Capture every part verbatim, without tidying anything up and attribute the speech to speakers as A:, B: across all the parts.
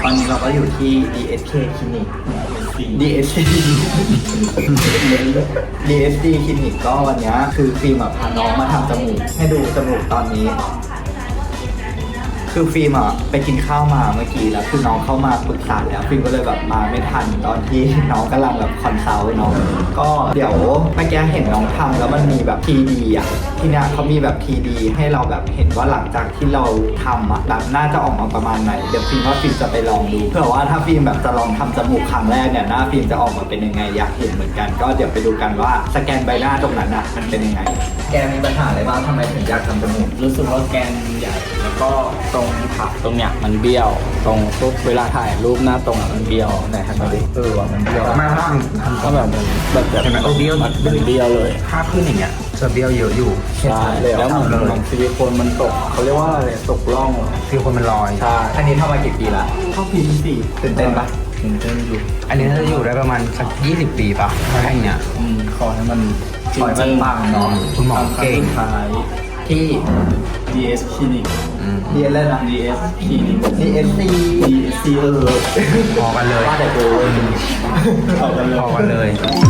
A: อนนี้เราก็อยู่ที่ ดี เอส เค คลินิก ดี เอส ซี ดี เอส ซี คลินิกก็วันนี้คือฟิล์มพาน้องมาทำจมูกให้ดูจมูกตอนนี้คือฟิล์มอ่ะไปกินข้าวมาเมื่อกี้แล้วคือน้องเข้ามาปรึกษาแล้วฟิล์มก็เลยแบบมาไม่ทันตอนที่น้องกำลังแบบคอนซัลท์น้องก็เดี๋ยวเมื่อกี้เห็นน้องทำแล้วมันมีแบบ ที ดี อ่ะที่เนี้ยเขามีแบบ ที ดี ให้เราแบบเห็นว่าหลังจากที่เราทำอ่ะแบบน่าจะออกมาประมาณไหนเดี๋ยวฟิล์มว่าฟิล์มจะไปลองดูเผื่อว่าถ้าฟิล์มแบบจะลองทำจมูกครั้งแรกเนี่ยหน้าฟิล์มจะออกมาเป็นยังไงอยากเห็นเหมือนกันก็เดี๋ยวไปดูกันว่าสแกนใบหน้าตรงนั้นอ่ะมันเป็นยังไงแกมีปัญหาอะไรบ้างทำไมถึงอยากทำจมูก
B: รู้สึกว่าแกนใหญ่แล้วก็ตรงผักตรงเนี้ยมันเบี้ยวตรงปุ๊บเวลาถ่ายรูปหน้าตรงอะมันเบี้ยวไหนครับมาดิเออว่ะมันเบี้ยว
C: มาบ้าง
B: ก็แบบมันแบบแบบ
C: เห็นไหมโอ้เบี้ยว
B: มันเบี้ยวเลย
C: ภาพขึ้นอย่างเงี้ยจะเบี้ยวเยอะอยู่
B: ใช่แล้วเหมือนเหมือนซิลิโคนมันตกเขาเรียกว่าอะไรตกร่อง
C: คือคนมันลอย
B: ใช่
A: อันนี้ทำมากี่ปีละเข้าปีที่สี่ตื่นเต้นปะ
B: ตื่นเต้นอยู่
C: อันนี้น่าจะอยู่ได้ประมาณสักยี่สิบปีป่ะถ้าอย่างเงี้ย
B: อืมขอให้มัน
A: ขอให้มันปังเนาะ
C: คุณหมอเก่ง
B: ท้าย
A: ที่
B: ดี เอส คลินิก
C: อืม
A: เรียนแล้วนะ
B: ดี เอส คลินิก
A: ดี เอส ซี
B: ดี เอส ซี เออ
C: พอกันเลย
A: ว่าแต่กู
B: เข้ากันเลย
C: พอกันเลย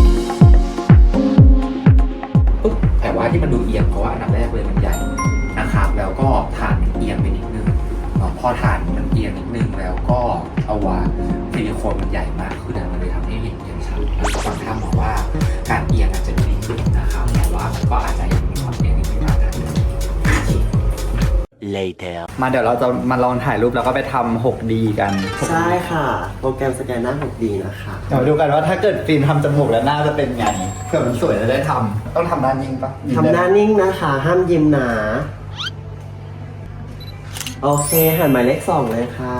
D: ปุ๊บแต่ว่าที่มันดูเอียงเพราะว่าอันดับแรกเลยมันใหญ่นะครับแล้วก็ฐานมันเอียงไปนิดนึงเนาะพอฐานมันเอียงนิดนึงแล้วก็เอาว่าซิลิโคนมันใหญ่มากขึ้นมันเลยทำให้เห็นเอียงชัดบางท่านบอกว่าการเอียงอาจจะดีขึ้นนะครับแต่ว่ามันก็อาจจะยังมีความเอียงนิดนึงนะ
E: later
A: มาเดี๋ยวเราจะมาลองถ่ายรูปแล้วก็ไปทำ หกดี กัน
F: ใช่ค่ะ โปรแกรมสแกนหน้า หกดี นะคะ
A: เดี๋ยวดูกันว่าถ้าเกิดฟิล์มทำจมูกแล้วหน้าจะเป็นไงเผื่อมันสวยแล้วได้ทำต้องทำหน้านิ่งปะ
F: ทำหน้านิ่งนะคะ ห้ามยิ้มหนา โอเคหันหมายเลขสองเลยค่ะ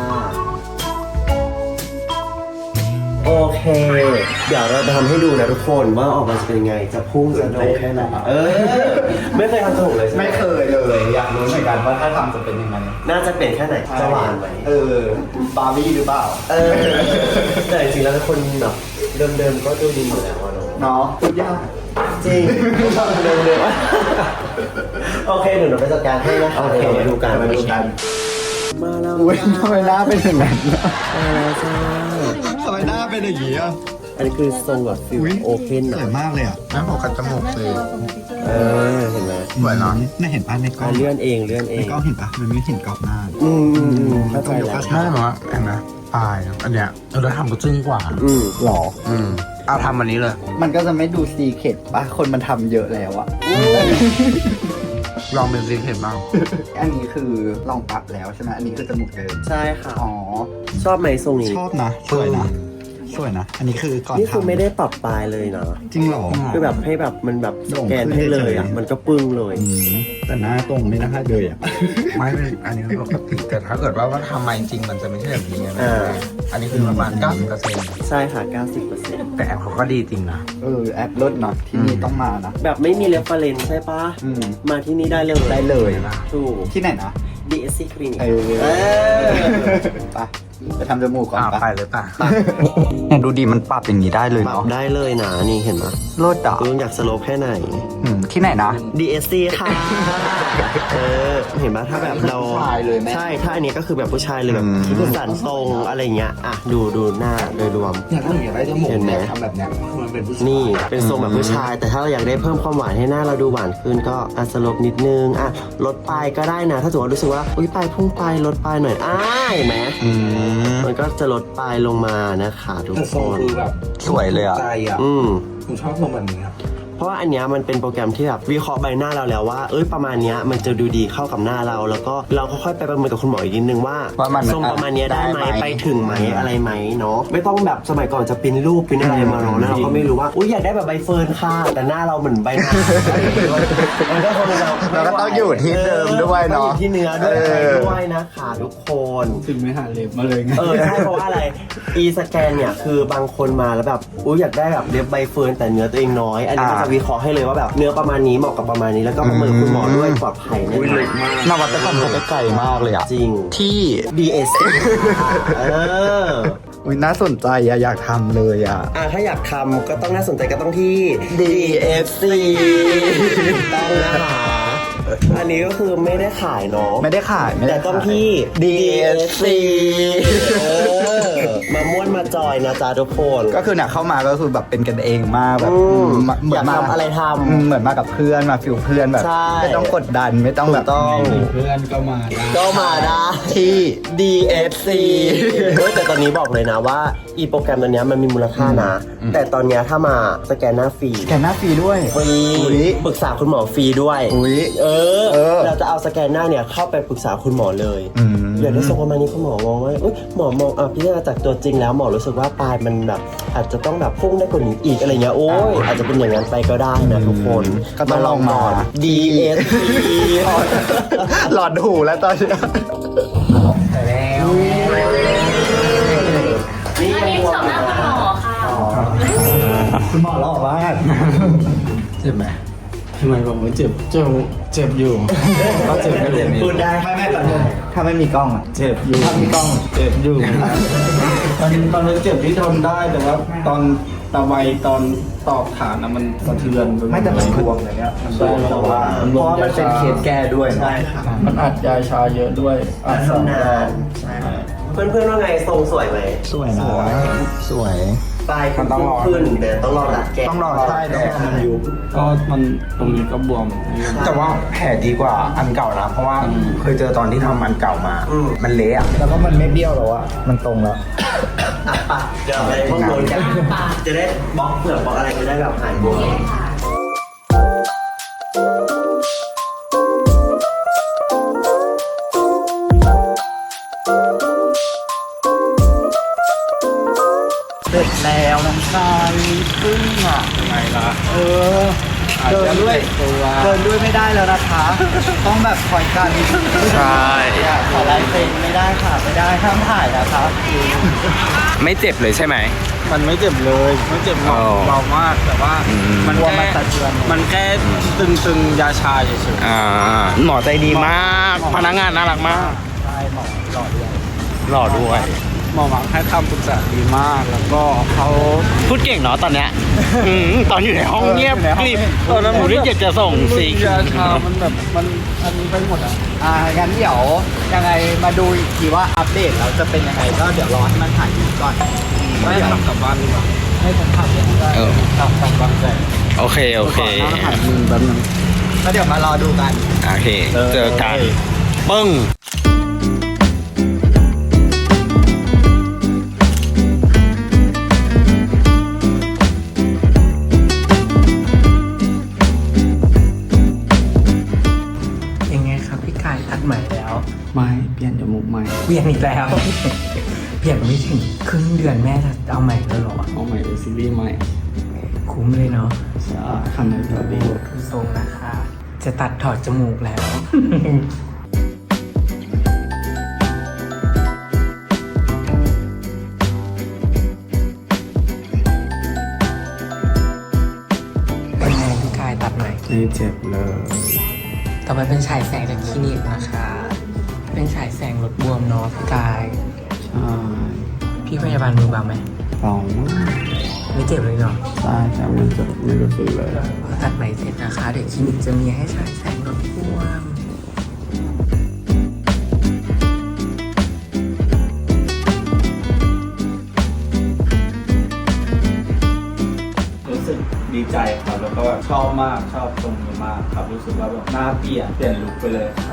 F: โอเค เดี๋ยวเราจะทำให้ดูนะทุกคนว่าออกมาจะเป็นยังไง จะพุ่งจะโด่งแค่ไหนเออ ไม่เคยทำจมูกเลยใช่ไหม
A: ไม่เคยเลยอยากรู้เหมือนกันว่าถ้าทำจะเป็นยังไง
F: น่าจะเป็นแค่ไหน จะหวานไหม
A: เออบาร์บี้หรือเปล่า
F: เออ แต่จริงๆแล้วคนแบบเดิมๆก็ดูดีอยู่แล้วอะเนาะ
A: เนาะพูดยาก
F: จริงเดิมๆโอเคเดี๋ยวเราไปจัดการให้นะคะ
A: โอเค
F: เดี๋ยวเรามาดูกัน
A: มาดูกัน
F: มาแล้ว
A: อุ้ยทำไมหน้าเป็นอย่างนั้น
F: มาแล้วจ้า
A: ทำไมหน้าเป็นอย่างนี้อ่ะ
F: อันนี้คือทรงแบบฟิลโอเพน
A: สวยมากเลยอ่ะ
C: นั่นพอกันจมูกเลย
F: เออเห็นไหม
C: สวยเนาะ
A: ไม่เห็นป่ะในกล้อ
F: อ่ะ
A: ง
F: เลื่อนเองเลื่อนเอ
A: ใน
F: ง
A: กล้องเห็นป่ะมันไม่เห็นกรอบหน้า
F: อืมอืมอืมเข้าใจแล้ว
C: น่าจะว่าเห็นไหมปลายอันเนี้ยเราทำก็จึ้งกว่า
F: อืม
A: หรอ
C: อืมเอาทำวันนี้เลย
A: มันก็จะไม่ดูซีเคร็ตป่ะคนมันทำเยอะแล้วอะ
C: ลองเป็นซีเห็นบ้าง
A: อันนี้คือลองปรับแล้วใช่ไหมอันนี้คือจมูกเดิม
F: ใช่ค่ะ
A: อ๋อ
F: ชอบไหมทรงนี้
A: ชอบนะสวยนะสวยนะอันนี้คือก่อน
F: นี่คือ
A: ทำ
F: ไม่ได้ปรับปลายเลยนะ
A: จริงเหรอ
F: คือแบบให้แบบมันแบบสแกน
A: โด่งขึ้น
F: ให้เลย
A: เฉย
F: อ่ะ
A: ๆ
F: มันก็ปึ้งเลย
A: อืมแต่หน้าตรงไม่น่าเลยอ่ะ
C: ไม่เป็นอันนี้ปกติแต่ถ้าเกิดว่าว่าทำมาจริงๆมันจะไม่ใช่แบบนี้ไง
F: อ่า
C: อันนี้คือประมาณเก้าสิบเปอร์เซ็นต์
F: ใช่ค่ะ เก้าสิบเปอร์เซ็นต์
C: แต่แอปเขาก็ดีจริงนะ
A: เออแอปลดเนาะที่นี่ต้องมานะ
F: แบบไม่มีเรฟเฟรนซ์ใช่ปะ
A: อืม
F: มาที่นี่ได้เลย
A: ได้เลย
F: ถูก
A: ที่ไหนนะ
F: ดี เอส ซี Clinic
A: เออ
F: เออ
A: ไปไปทำจมูกก่อน
C: อ่า
A: ปะ
C: ไปเลยป่ะ
A: เนี่ยดูดีมันปรับอย่างนี้ได้เลย
F: ปรับ
A: เนาะ
F: ได้เลยนะนี่เห็นไหม
A: ลดอ่ะ
F: คุณอยากสโลปแค่ไหน
A: อืมที่ไหนนะ
F: ดี เอส ซี ค่ะ เออ เห็นไหมถ้าแบบเรา
A: ผู้ชายเลยไหม
F: ใช่ ถ้าอันนี้ก็คือแบบผู้ชายเลยแบบ
A: อืม
F: ที่คุณสันทรงอะไรเงี้ย อ่ะ ดูดูหน้าโดยรวม
C: อยากได้อยากได้จมูก
F: เห็นไหม
C: ทำแบบเนี้ยมันเป็นผู้ชาย
F: นี่เป็นทรงแบบผู้ชาย แต่ถ้าเราอยากได้เพิ่มความหวานให้หน้าเราดูหวานขึ้นก็อ่ะสโลปนิดนึง อ่ะ ลดปลายก็ได้นะ ถ้าสมมติว่ารู้สึกว่า อุ้ยปลายพุ่งไปลดปลายหน่อย อ้าเห็นไหม
A: อืม
F: มันก็จะลดปลายลงมานะคะทุก
C: แต่
F: ค
C: ทรง
F: น
C: คือแบบ
A: สวยเลยอ่ะ
C: ใจอ่ะ
F: อืม
C: ผมชอบทรงแบบนี้ครับ
F: เพราะว่าอันเนี้ยมันเป็นโปรแกรมที่แบบวิเคราะห์ใบหน้าเราแล้วว่า เอ้ยประมาณเนี้ยมันจะดูดีเข้ากับหน้าเรา แล้วก็เราค่อยๆไปประเมินกับคุณหมออีกนิดนึงว่า
A: ว่ามัน
F: ทรงประมาณเนี้ยได้ไหม
A: ได้ไหม
F: ไปถึงไหมอะไรไหมเนาะไม่ต้องแบบสมัยก่อนจะปริ้นรูปปริ้นอะไรมาเนาะแล้วเราก็ไม่รู้ว่าอุ้ยอยากได้แบบใบเฟิร์นค่ะแต่หน้าเราเหมือนใบหน้ามันก็คงเรา
A: เราก็ต้องอยู่ที่เดิมด้วยเนาะ
F: ต้องอยู่ที่เนื้อด้วย
A: เอออ
F: อะไรด้วยนะคะทุกคน
B: ถึงไม่หาเล็บมาเลยไง
F: เออใช่เพราะว่าอะไร e สแกนเนี่ยคือบางคนมาแล้วแบบอุ้ยอยากได้แบบเล็บใบเฟิร์นแต่เนื้อตัวเองน้อย อันนี้ก็จะวิเคราะห์ให้เลยว่าแบบเนื้อประมาณนี้เหมาะกับประมาณนี้แล้วก็ประเมินคุณหมอด้วยปลอดภัยแน่นอน
A: นวัตกรรมเขาไปไกลมากเลยอ่ะ
F: จริง
A: ที่
F: ดี เอส เออ
A: อุ้ยน่าสนใจอะอยากทำเลยอะ
F: อ่ะถ้าอยากทำก็ต้องน่าสนใจก็ต้องที่
A: ดี เอฟ ซี
F: ต้องนะคะอันนี้ก็คือไม่ได้ขายเนาะ
A: ไม่ได้ขายไม่ได้
F: แต่ต้อง
A: ขาย
F: ที่
A: ดี เอส ซี
F: เออมาม่วนมาจอยนะจ๊ะทุกคน
A: ก็คือเนี่ยเข้ามาก็คือแบบเป็นกันเองมากแบบ
F: อืม
A: มาเหมื
F: อยากทำอะไรทำ
A: อืมเหมือนมากับเพื่อนมาฟิลเพื่อนแบบ
F: ใช่
A: ไม่ต้องกดดันไม่ต้องแบบ
F: ถูกต้อง
B: มีเพื่อนก็มาได้
F: ก็มาได้
A: ที่
F: ดี เอส ซี เฮ้ยแต่ตอนนี้บอกเลยนะว่าอีโปรแกรมตัวเนี้ยมันมีมูลค่านะ แต่ตอนเนี้ยถ้ามาสแกนหน้าฟรี
A: แกนหน้าฟรีด้วย
F: ฟรี
A: อุ๊ย
F: ปรึกษาคุณหมอฟรีด้วย
A: อุ๊ย
F: เออ
A: เออ
F: เราจะเอาสแกนหน้าเนี่ยเข้าไปปรึกษาคุณหมอเลย
A: อืม
F: อยากได้ทรงประมาณนี้คุณหมอมองว่าอุ๊ยหมอมองอ่ะพิจารณาจากตัวจริงแล้วหมอรู้สึกว่าปลายมันแบบอาจจะต้องแบบพุ่งได้กว่านี้อีกอะไรเงี้ยโอ้ยอาจจะเป็นอย่างนั้นไปก็ได้นะทุกคน
A: ก็ต้องลองมา
F: ดี เอส ซี
A: หลอดหูแล้วตอนนี้
F: นี่
E: อันนี้สำหรับคุณหมอค่ะ
A: คุณหมอหล่อมาก
B: เจ็บไหมทำไมบอกว่าเจ็บเจ็บเจ็บอยู่ก็เจ็บอยู่นี่
F: พูดได้
A: ไม่ไม่ตอนนี้ถ้าไม่มีกล้องอ่ะ
B: เจ็บอยู่
A: ถ้ามีกล้อง
B: เจ็บอยู่ตอนตอนนั้นเจ็บที่ทนได้แต่ว่าตอนตะไบตอนตอกฐานนะมันสะเทือนปหด
A: ไม่แต่มันบวมอะไรเงี้ยมันบวมแต่ว่าเพราะว่ามันเป็นเคสแก้ด้วยใช่ค่ะ
B: มันอัดยาชาเยอะด้วยอัดสองรอบ
F: เพื่อนๆว่าไงทรงสวยไหม
A: สวยนะสวย
F: ปลายคือพุ่งขึ้นแต่ต้องรอดัดแก้
A: ต้องรอใช่
B: แต่
A: แล้ว
B: มันยุบก็มันตรงนี้ก็บวม
C: แต่ว่าแผลดีกว่าอันเก่านะ เพราะว่าเคยเจอตอนที่ทำอันเก่ามา มันเละอะ
A: แล้วก็มันไม่เบี้ยวแล้วอะมันตรงแล้ว
F: อ่ะปะเดี๋ยวไปห้องโดนกันจะได้บล็อกเปลือกบล็อกอะไรจะได้แบบหายบวม
A: เสร็จแล้วน้องชายซึ่งอ่ะ
B: ไงล่ะ
A: เออเดินด้วย
B: ตัว
A: เดินด้วยไม่ได้แล้วนะคะ ต้องแบบคอยกัน
C: ใช่
A: อยากขอลายเซ็นไม่ได้ค่ะไม่ได้ห้ามถ่ายนะคะ
C: ไม่เจ็บเลยใช่ไหม
B: มันไม่เจ็บเลยไม่เจ็บหรอก
C: อ๋อ
B: เบามากแต่ว่า
C: อืม
B: มัน
A: กลัว
B: แค่
A: มันสะเทือน
B: มันแค่ตึงๆยาชาเฉย
C: อ่าหมอใจดีมาก พนักงานน่ารักมาก
A: ใช่หมอหล่อด้วย
C: หล่อด้วย
B: ๆหมอหวังให้คำปรึกษาดีมากแล้วก็เขา
C: พูดเก่งเนาะตอนเนี้ยอืมตอนอยู่ในห้องเงียบ
A: เอออยู่ในห้อง
C: กริบตอนนั้นผมที่อยากจะส่งสิ
B: ยาชามันแบบมันอันนี้ไปหมดอ่ะ
A: อ่างั้นเดี๋ยวยังไงมาดูอีกทีว่าอัปเดตเราจะเป็นยังไงก็เดี๋ยวรอให้มันถ่ายอยู่ก่อน
B: ไม่ทำกลับบ้านดีกว่า
A: ให้ผมถ่ายเลยก็
C: เออ
B: กลับกลับบางแสน
C: โอเค โอเค
B: ก่อนหน้าถ่ายมือแป๊บนึง
A: แล้วเดี๋ยวมารอดูกัน
C: โอเค เจอกันปึ้ง
G: ยังไงครับพี่กายตัดใหม่แล้ว
B: ไม่เปลี่ยนจมูกใหม่
G: เปลี่ยนอีกแล้ว เปลี่ยนไม่ถึงครึ่งเดือนแม่จะเอาใหม่แล้วเหรอ
B: เอาใหม่เป็นซีรีส์ใหม่
G: คุ้มเลยเนาะ
B: ใช่ทำในตัวดี
G: ดูทรงนะคะ จะตัดถอดจมูกแล้ว เป็นไงพี่กายตัดใหม่
B: ไม่เจ็บเลย
G: ต่อไปเป็นฉายแสงจากคลินิกนะคะ เป็นฉายแสงลดบวมเนาะพี่กาย
B: ใช่
G: พี่พยาบาลมือเบาไหม
B: เบามาก
G: ไม่เจ็บเลยเนาะ
B: ใช่ใช่มันจะไม่รู้สึกเลย
G: พอตัดใหม่เสร็จนะคะ เดี๋ยวคลินิกจะมีให้ฉายแสงลดบวม
B: รู้สึกดีใจครับแล้วก็ชอบมากชอบตรงนี้มากครับรู้สึกว่าแบบหน้าเปลี่ยนเปลี่ยนลุคไปเลยครับ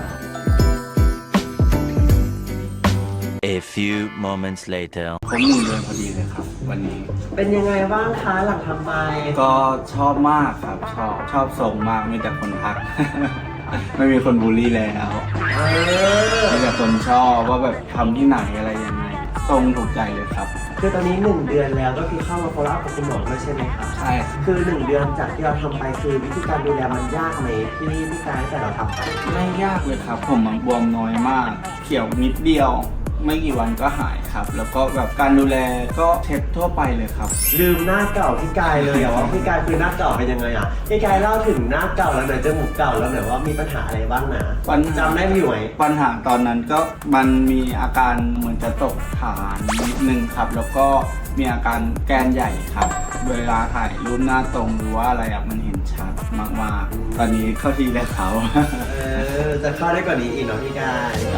H: A few moments later.
B: ผมหนึ่งเดือนพอดีเลยครับ วันนี้
F: เป็นยังไงบ้างคะหลังทำไป
B: ก็ชอบมากครับ ชอบชอบทรงมากมีแต่คนทัก ไม่มีคนบูลลี่แล้วมีแต่คนชอบว่าแบบทำที่ไหนอะไรยังไงทรงถูกใจเลยครับ
F: คือตอนนี้หนึ่งเดือนแล้วก็คือเข้ามา follow up กับคุณหมอด้วยใช่ไหมครับ
B: ใช่ครับ
F: คือหนึ่งเดือนจากที่เราทำไปคือวิธีการดูแลมันยากไหมที่พี่กายแต่เราทำไป
B: ไม่ยากเลยครับ ผมมันบวมน้อยมาก เขียวนิดเดียว ไม่กี่วันก็หายครับ แล้วก็แบบการดูแลก็เช็ดทั่วไปเลยครับ
F: ลืมหน้าเก่าพี่กายเลยอะว่าพี่กายคือหน้าเก่าเป็นยังไงอะพี่กายเล่าถึงหน้าเก่าแล้วหน่อยจมูกเก่าแล้วหน่อยว่ามีปัญหาอะไรบ้างนะ
B: ปัญ
F: จำได้ไหมอยู่ไหม
B: ปัญหาตอนนั้นก็มันมีอาการเหมือนจะตกฐานนิดนึงครับ แล้วก็มีอาการแกนใหญ่ครับ เวลาถ่ายรูปหน้าตรงหรือว่าอะไรอะมันเห็นชัดมากๆ ตอนนี้เข้าที่แล้วเขา
F: เออ จะเข้าได้กว่านี้อีกเนาะพี่กาย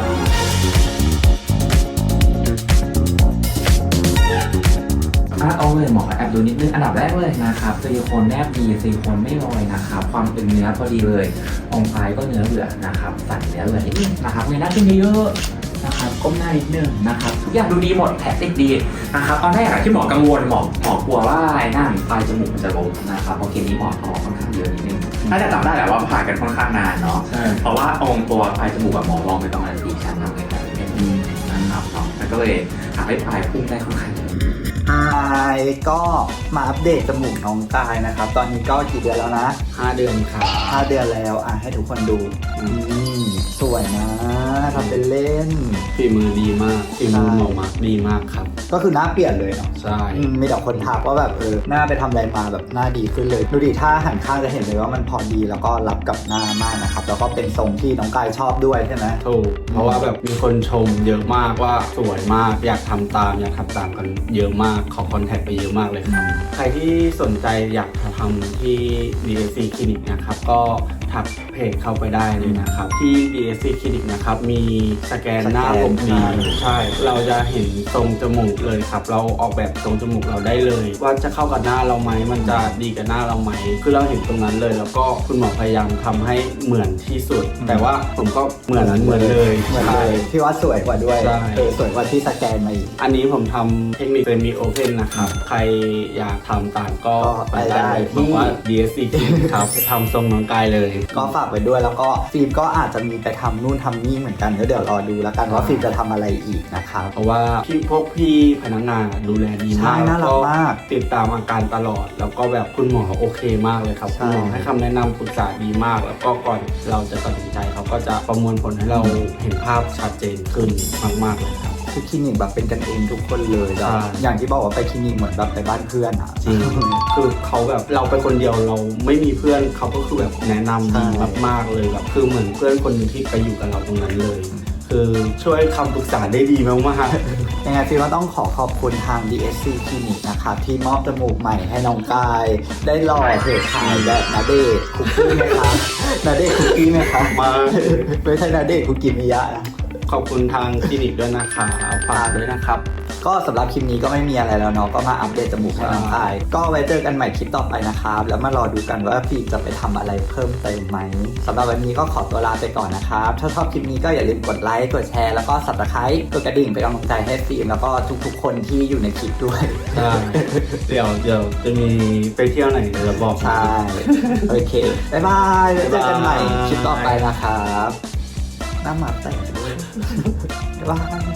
D: อ่ะเอาเลยหมอแอบดูนิดนึงอันดับแรกเลยนะครับซิลิโคนแนบดีซิลิโคนไม่ลอยนะครับความเป็นเนื้อพอดีเลยองค์ปลายก็เนื้อเหลือนะครับสันเนื้อเหลือนิดนึงนะครับเงยหน้าขึ้นเยอะๆนะครับก้มหน้านิดนึงนะครับทุกอย่างดูดีหมดแผลติดดีนะครับตอนแรกอะที่หมอกังวลหมอหมอกลัวว่าไอ้หน้าปลายจมูกมันจะล้มนะครับเพราะเคสนี้หมอทอค่อนข้างเยอะนิดนึงน่าจะจำได้แหละว่าผ่ากันค่อนข้างนานเนาะเพราะว่าองค์ตัวปลายจมูกกับหมอลองไปประมาณสี่ชั้นทำให้แบบนี้นะครับเนาะแล้วก็เลยทำให้ปลายพุ่งได้ค่อนข้างเยอะ
A: อายก็มาอัปเดตจมูกน้องกายนะครับ ตอนนี้ก็กี่เดือนแล้วนะ
B: ห้าเดือนครับ
A: ห้าเดือนแล้วอ่ะให้ทุกคนดูอืมสวยนะทำเป็นเล่น
B: ฝีมือดีมากฝีมือหมอมาดีมากครับ
A: ก็คือหน้าเปลี่ยนเลยเนาะ
B: ใช่
A: อืมมีแต่คนทักว่าแบบเออหน้าไปทำอะไรมาแบบหน้าดีขึ้นเลย ดูดิถ้าหันข้างจะเห็นเลยว่ามันพอดีแล้วก็รับกับหน้ามากนะครับ แล้วก็เป็นทรงที่น้องกายชอบด้วยใช่ไหม
B: ถูกเพราะว่าแบบมีคนชมเยอะมากว่าสวยมากอยากทำตามอยากทำตามกันเยอะมากขอคอนแทคไปเยอะมากเลยครับ ใครที่สนใจอยากทำที่ ดี เอส ซี Clinic นะครับก็ทักเพจเข้าไปได้เลยนะครับ ที่ ดี เอส ซี Clinic นะครับมีสแกนหน้าผมดีใช่เราจะเห็นทรงจมูกเลยครับ เราออกแบบทรงจมูกเราได้เลย ว่าจะเข้ากับหน้าเราไหมมันจะดีกับหน้าเราไหมคือเราเห็นตรงนั้นเลย แล้วก็คุณหมอพยายามทำให้เหมือนที่สุด แต่ว่าผมก็เหมือนเหมือนเลย
A: เหมือน
B: ใช่
A: เลยพี่ว่าสวยกว่าด้วย
B: ใช่
A: เออสวยกว่าที่สแกนมาอีก
B: อันนี้ผมทำเทคนิคเซมิโอเพนนะครับ ใครอยากทำตามก็
A: ก็ไปได้
B: เลย
A: ที่
B: บอกว่า ดี เอส ซี ครับทำทรงน้องกายเลย
A: ก็ฝากไว้ด้วยแล้วก็ฟิล์มก็อาจจะมีไปทำนู่นทำนี่เหมือนกันแล้วเดี๋ยวรอดูแล้วกันว่าฟิล์มจะทำอะไรอีกนะครับ
B: เพราะว่าพี่พวกพี่พนักงานดูแลดีมาก
A: ใช่น่ารักมาก
B: ติดตามอาการตลอด แล้วก็แบบคุณหมอโอเคมากเลยครับ
A: ใช่
B: คุณหมอให้คำแนะนำปรึกษาดีมาก แล้วก็ก่อนเราจะตัดสินใจเขาก็จะประมวลผลให้เราเห็นภาพชัดเจนขึ้นมากๆเลยครับ
A: คือคลินิกแบบเป็นกันเองทุกคนเลยแล้ว
B: ใช่
A: อย่างที่บอกว่าไปคลินิกเหมือนแบบไปบ้านเพื่อนอ่ะ
B: จริง คือเขาแบบเราไปคนเดียวเราไม่มีเพื่อนเขาก็คือแบบแนะนำดีมากๆเลยแบบคือเหมือนเพื่อนคนหนึงที่ไปอยู่กับเราตรงนั้นเลย คือช่วยคำปรึกษาได้ดีมากๆ
A: ยังไงฟิล์มก็ต้องขอขอบคุณทาง ดี เอส ซี คลินิกนะครับที่มอบจมูกใหม่ให้น้องกาย ได้หล่อเถิดถ่ายแบบนาเดชน์คุกกี้ไหมครับนาเดชน์คุกกี้ไหมครับ
B: มา
A: ไม่ใช่นาเดชน์คุกกี้มิยะนะ
B: ขอบคุณทางคลินิกด้วยนะคะฝากด้วยนะครับ
A: ก็สำหรับคลิปนี้ก็ไม่มีอะไรแล้วเนาะก็มาอัปเดตจมูกให้น้องกายก็ไว้เจอกันใหม่คลิปต่อไปนะครับแล้วมารอดูกันว่าฟิล์มจะไปทำอะไรเพิ่มเติมไหมสำหรับวันนี้ก็ขอตัวลาไปก่อนนะครับถ้าชอบคลิปนี้ก็อย่าลืมกดไลค์กดแชร์แล้วก็ ซับสไครบ์ กดกระดิ่งเป็นกำลังใจให้ฟิล์มแล้วก็ทุกๆคนที่อยู่ในคลิปด้วย
B: ใช่ เดี๋ยวเดี๋ยวจะมีไปเที่ยวไหนเดี๋ยวเราบอก
A: ใช่โอเคบ๊ายบายไว้เจอกันใหม่คลิปต่อไปนะครับหน้าหมาแตกด้วยบ๊ายบาย